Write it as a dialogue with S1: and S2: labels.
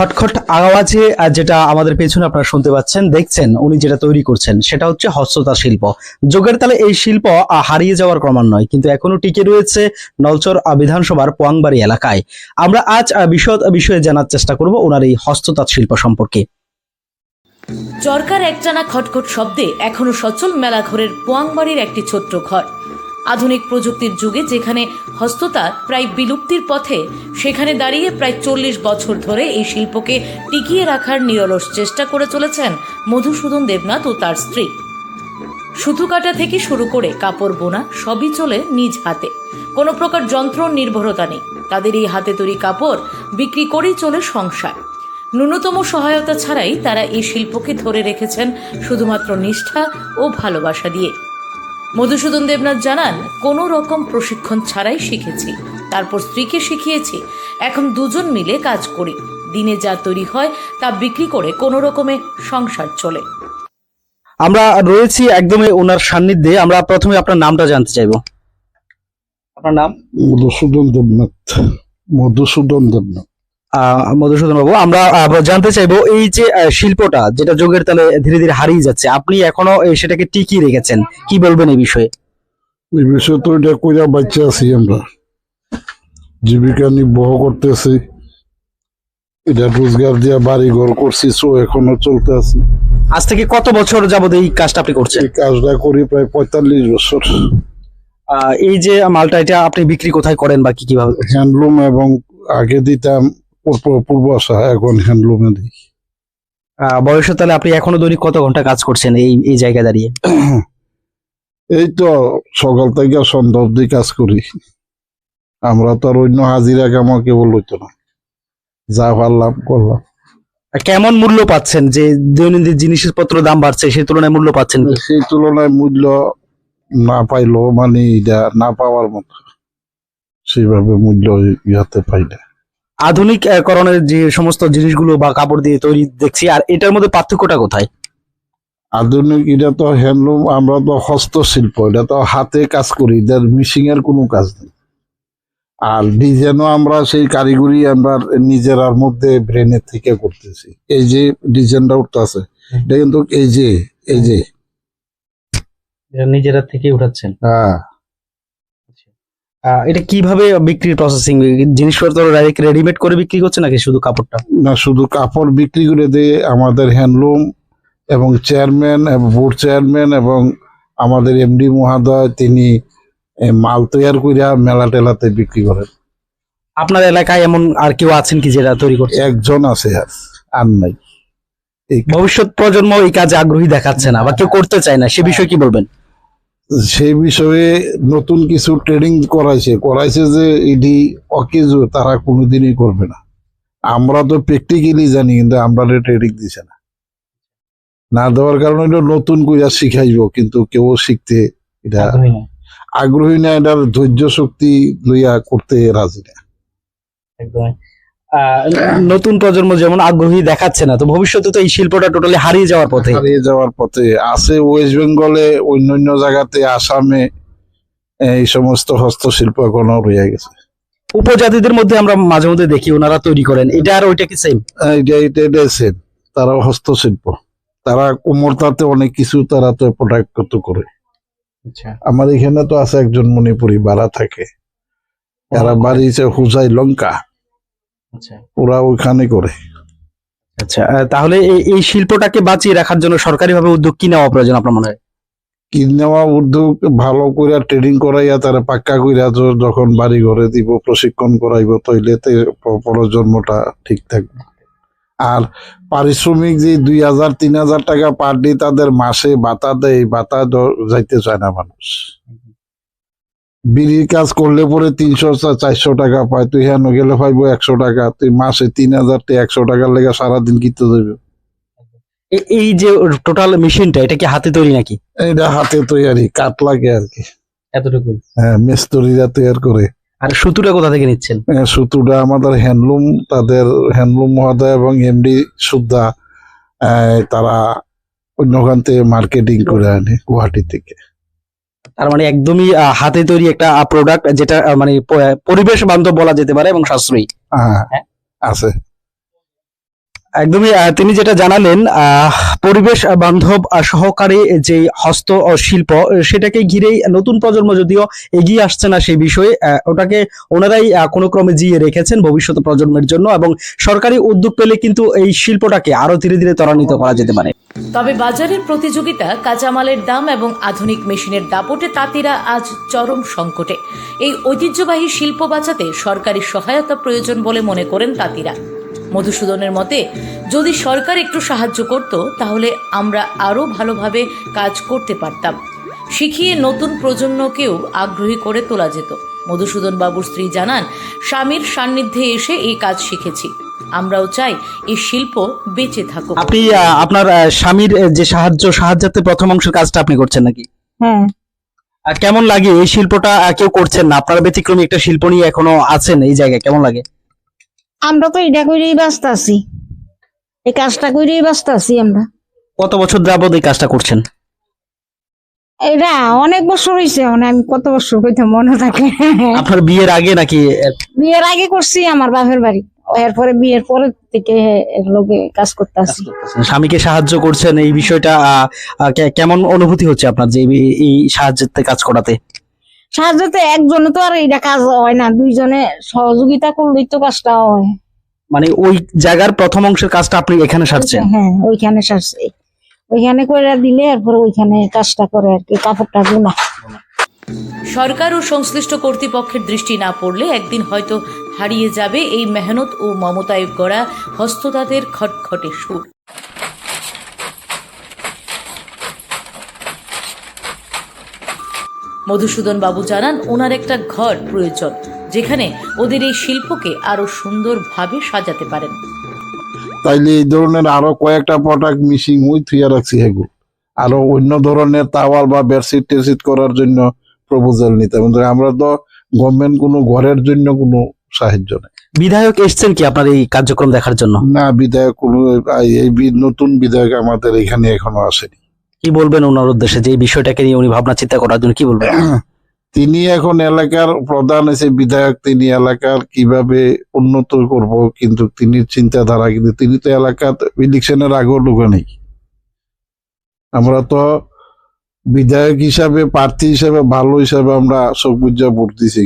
S1: খটখট আওয়াজে যেটা আমাদের পেছনে আপনারা শুনতে পাচ্ছেন, দেখছেন উনি যেটা তৈরি করছেন সেটা হচ্ছে হস্ততাঁত শিল্প। যুগের তালে এই শিল্প হারিয়ে যাওয়ার ক্রমান্বয়ে কিন্তু এখনো টিকে রয়েছে নলচর বিধানসভার পোয়াংবাড়ি এলাকায়। আমরা আজ বিশদ বিষয়ে জানার চেষ্টা করব ওনার এই হস্ততাঁত শিল্প সম্পর্কে।
S2: চরকার একটানা খটখট শব্দে এখনো সচল মেলাঘরের পোয়াংবাড়ির একটি ছোট্ট ঘর। আধুনিক প্রযুক্তির যুগে যেখানে হস্ততাঁত প্রায় বিলুপ্তির পথে, সেখানে দাঁড়িয়ে প্রায় 40 বছর ধরে এই শিল্পকে টিকিয়ে রাখার নিরলস চেষ্টা করে চলেছেন মধুসূদন দেবনাথ ও তার স্ত্রী। সুতো কাটা থেকে শুরু করে কাপড় বোনা সবই চলে নিজ হাতে, কোনো প্রকার যন্ত্র নির্ভরতা নেই। তাদের এই হাতে তৈরি কাপড় বিক্রি করেই চলে সংসার। ন্যূনতম সহায়তা ছাড়াই তারা এই শিল্পকে ধরে রেখেছেন শুধুমাত্র নিষ্ঠা ও ভালোবাসা দিয়ে। মধুসূদন দেবনাথ জানান, কোনো রকম প্রশিক্ষণ ছাড়াই শিখেছি, তারপর স্ত্রীকে শিখিয়েছি। এখন দুজন মিলে কাজ করি, দিনে যা তৈরি হয় তা বিক্রি করে কোনো রকমে সংসার চলে।
S1: আমরা রয়েছি একদমই ওনার সান্নিধ্যে। আমরা প্রথমে আপনার নামটা জানতে চাইবো। আপনার নাম?
S3: মধুসূদন দেবনাথ। মধুসূদন দেবনাথ।
S1: মধুসূদন বাবু, আমরা জানতে চাইবো এই যে শিল্পটা যেটা যুগের তালে ধীরে ধীরে হারিয়ে যাচ্ছে, আপনি এখনো সেটাকে টিকিয়ে রেখেছেন, কি বলবেন এই বিষয়ে?
S3: এই বিষয়ে তো এটা কইরা বাচ্চা আছি, আমরা জীবিকা নির্বাহ করতেছি, এটা রোজগার দিয়া বাড়ি ঘর করছি, সো এখনো চলতে আছি।
S1: আজ থেকে কত বছর যাবত এই কাজটা আপনি করছেন?
S3: এই কাজটা করি প্রায় 45 বছর।
S1: এই যে মালটা, এটা আপনি বিক্রি কোথায় করেন বা কি কিভাবে?
S3: হ্যান্ডলুম, এবং আগে দিতাম পূর্ব আশা, এখন হ্যান্ডলুমে দিই।
S1: বয়সের তাহলে আপনি এখনো দৈনিক কত ঘন্টা কাজ করছেন এই জায়গায় দাঁড়িয়ে?
S3: এই তো সকাল থেকে সন্ধ্যা অব্দি কাজ করি। আমরা তো আর অন্য হাজিরা কামা কেবল হইতো না, যা পারলাম করলাম।
S1: কেমন মূল্য পাচ্ছেন? যে দৈনন্দিন জিনিসপত্র দাম বাড়ছে, সেই তুলনায় মূল্য পাচ্ছেন কি?
S3: সেই তুলনায় মূল্য না পাইলেও মানে এটা না পাওয়ার মতো সেইভাবে মূল্য ইয়াতে পাই না।
S1: আধুনিক করণের যে সমস্ত জিনিসগুলো বা কাপড় দিয়ে তৈরি দেখছি, আর এটার মধ্যে পার্থক্যটা কোথায়?
S3: আধুনিক এটা তো হ্যান্ডলুম, আমরা তো হস্তশিল্প, এটা তো হাতে কাজ করি, এটার মিশিং এর কোনো কাজ নেই। আর ডিজাইনও আমরা সেই কারিগরি আমরা নিজেরার মধ্যে ব্রেনের থেকে করতেছি। এই যে ডিজাইনটা উঠতে আছে, এটা কিন্তু এই যে
S1: নিজেরা থেকে উঠাচ্ছেন?
S3: হ্যাঁ।
S1: এটা কিভাবে বিক্রির প্রসেসিং? জিনিসপত্র ডাইরেক্ট রেডিমেড করে বিক্রি করছে নাকি শুধু কাপড়টা?
S3: না, শুধু কাপড় বিক্রি করে দিয়ে আমাদের হ্যান্ডলুম এবং চেয়ারম্যান এবং বোর্ড চেয়ারম্যান এবং আমাদের এমডি মহোদয়, তিনি মাল তৈরি করে মেলা টেলাতে বিক্রি করেন।
S1: আপনার এলাকায় এমন আর কেউ আছেন কি যেটা তৈরি করছে?
S3: একজন আছে, আর নাই।
S1: ভবিষ্যৎ প্রজন্ম এই কাজে আগ্রহী দেখাচ্ছে না বা কেউ করতে চায় না, সে বিষয়ে কি বলবেন?
S3: সেই বিষয়ে নতুন কিছু ট্রেনিং করাইছে যে এটি অকেজো, তারা কোনোদিনই করবে না। আমরা তো প্র্যাকটিক্যালি জানি, কিন্তু আমরা ট্রেনিং দিছে না দেওয়ার কারণে এটা নতুন করে শিখাইব, কিন্তু কেউ শিখতে এটা আগ্রহী না, এটার ধৈর্য শক্তি লইয়া করতে রাজি না।
S1: নতুন প্রজন্ম যেমন আগ্রহী দেখাচ্ছে না, তো ভবিষ্যতে তো এই শিল্পটা টোটালি হারিয়ে যাওয়ার পথে
S3: আছে। ওয়েস্ট বেঙ্গলে, অন্যান্য জায়গাতে, আসামে এই সমস্ত হস্তশিল্প এখনো রয়ে গেছে।
S1: উপজাতিদের মধ্যে আমরা মাঝে মধ্যে দেখি ওনারা তৈরি করেন, এটা আর ওইটা কি সেম?
S3: এটা সেম, তারা হস্তশিল্প, তারা কোমরতাতে অনেক কিছু তারা তো প্রোডাক্ট করে। আমার এখানে তো আছে একজন মণিপুরি ভাড়া থাকে, এরা বাড়ি হুজাই লঙ্কা, ওরা ওইখানে করে।
S1: আচ্ছা, তাহলে এই শিল্পটাকে বাঁচিয়ে রাখার জন্য সরকারি ভাবে উদ্যোগ কি নেওয়া প্রয়োজন আপনার মনে হয়?
S3: কি নেওয়া উদ্যোগ? ভালো করে ট্রেনিং করাইয়া তারা পাক্কা কইরা যখন বাড়ি ঘরে দিব, প্রশিক্ষণ করাইব, তৈলে প্রজন্মটা ঠিক থাকবে। আর পারিশ্রমিক যে 2000-3000 টাকা পার ডে তাদের মাসে ভাতা দেয়, ভাতা যাইতে চায় না মানুষ। বিড়ির কাজ করলে পরে 300-400 টাকা পায়, তুই হ্যাঁ গেলে পাইবো 100 টাকা, তুই মাসে 3000-100 টাকার লেগে সারাদিন কিনতে যাবে।
S1: এই যে টোটাল মেশিনটা, এটা কি হাতে তৈরি নাকি?
S3: এটা হাতে তৈরি, কাঠ লাগে আর কি, এতটুকু। হ্যাঁ, মিস্ত্রিরা তৈরি করে।
S1: আর সুতুটা কোথা থেকে নিচ্ছেন?
S3: সুতুটা আমাদের হ্যান্ডলুম, তাদের হ্যান্ডলুম মহোদয় এবং এমডি সুদ্ধা, তারা অন্যখান থেকে মার্কেটিং করে আনে গুয়াহাটি থেকে।
S1: তার মানে একদমই হাতে তৈরি একটা প্রোডাক্ট, যেটা মানে পরিবেশ বান্ধব বলা যেতে পারে এবং সাশ্রয়ী।
S3: হ্যাঁ, আছে।
S1: একদমই তিনি যেটা জানালেন পরিবেশ বান্ধব সহকারে যে হস্ত শিল্প সেটাকে ঘিরেই নতুন প্রজন্ম যদিও এগিয়ে আসছে না সেই বিষয়ে ওটাকে ওনারাই কোনো ক্রমে জিয়ে রেখেছেন ভবিষ্যৎ প্রজন্মের জন্য, এবং সরকারি উদ্যোগ পেলে কিন্তু এই শিল্পটাকে আরো ধীরে ধীরে ত্বরান্বিত করা যেতে পারে।
S2: তবে বাজারের প্রতিযোগিতা, কাঁচামালের দাম এবং আধুনিক মেশিনের দাপটে তাঁতিরা আজ চরম সংকটে। এই ঐতিহ্যবাহী শিল্প বাঁচাতে সরকারি সহায়তা প্রয়োজন বলে মনে করেন তাঁতিরা। মধুসূদনের মতে, যদি সরকার একটু সাহায্য করত তাহলে আমরা আরো ভালোভাবে কাজ করতে পারতাম, শিখিয়ে নতুন প্রজন্মকেও আগ্রহী করে তোলা যেত। মধুসূদন বাবুর স্ত্রী জানান, স্বামীর সান্নিধ্যে এসে এই কাজ শিখেছি, আমরাও চাই এই শিল্প বেঁচে থাকুক।
S1: আপনি আপনার স্বামীর যে সাহায্যার্থে প্রথম অংশের কাজটা আপনি করছেন নাকি?
S4: হ্যাঁ,
S1: কেমন লাগে এই শিল্পটা? কেউ করছেন না, আপনারা ব্যতিক্রমী একটা শিল্প নিয়ে এখনো আছেন এই জায়গায়, কেমন লাগে?
S4: আমরা তো এটা করেই ব্যস্ত আছি, এই কাজটা করেই ব্যস্ত আছি আমরা।
S1: কত বছর যাবত এই কাজটা করছেন?
S4: এটা অনেক বছর হয়েছে, মানে আমি কত বছর হইতে মনে থাকে।
S1: আপনার বিয়ের আগে নাকি?
S4: বিয়ের আগে করছি আমার বাপের বাড়ি, এরপরে বিয়ের পরে থেকে এর লোকে কাজ করতে আসি।
S1: স্বামীকে সাহায্য করছেন, এই বিষয়টা কেমন অনুভূতি হচ্ছে আপনার যে এই সাহায্যের কাজ করাতে?
S4: সাহায্যতে একজনে তো আর এটা কাজ হয় না, দুইজনে সহযোগিতা করলেই তো কাজটা হয়।
S1: মানে ওই জায়গার প্রথম অংশের কাজটা আপনি এখানে সারছেন?
S4: হ্যাঁ, ওইখানে সারছে, ওইখানে করে দিলে এরপরে ওইখানে কাজটা করে আর কি, কাপড়টা গুনা।
S2: সরকার ও সংশ্লিষ্ট কর্তৃপক্ষের দৃষ্টি না পড়লে একদিন হয়তো হারিয়ে যাবে এই মেহনত ও মমতায় গড়া হস্ততাঁতের খটখটে সুর। মধুসূদন বাবু জানান, ওনার একটা ঘর প্রয়োজন যেখানে ওদের এই শিল্পকে আরো সুন্দরভাবে সাজাতে পারেন।
S3: তাইলে এই ধরনের আরো কয়েকটা প্রোডাক্ট মিশিং ওই থুইয়া রাখছি, এগুলো আরো অন্য ধরনের তাওয়াল বা বেডশিট টেডশিট করার জন্য প্রপোজাল নিতে। আমরা তো গভর্নমেন্ট কোনো ঘরের জন্য কোনো সাহায্য নেই।
S1: বিধায়ক এসছেন কি আপনার এই কার্যক্রম দেখার জন্য?
S3: না, বিধায়ক কোনো নতুন বিধায়ক আমাদের এখানে এখনো আসেনি।
S1: কি বলবেন ওনার উদ্দেশ্যে যে এই বিষয়টাকে নিয়ে উনি ভাবনা চিন্তা করার জন্য কি বলবেন?
S3: তিনি এখন এলাকার প্রধান এসে বিধায়ক, তিনি এলাকার কিভাবে উন্নত করব কিন্তু তিনি চিন্তাধারা, কিন্তু তিনি তো এলাকার ইলেকশনের আগেও লোক নেই। আমরা তো বিধায়ক হিসাবে, প্রার্থী হিসাবে, ভালো হিসাবে আমরা সব বুঝা ভোট দিছি।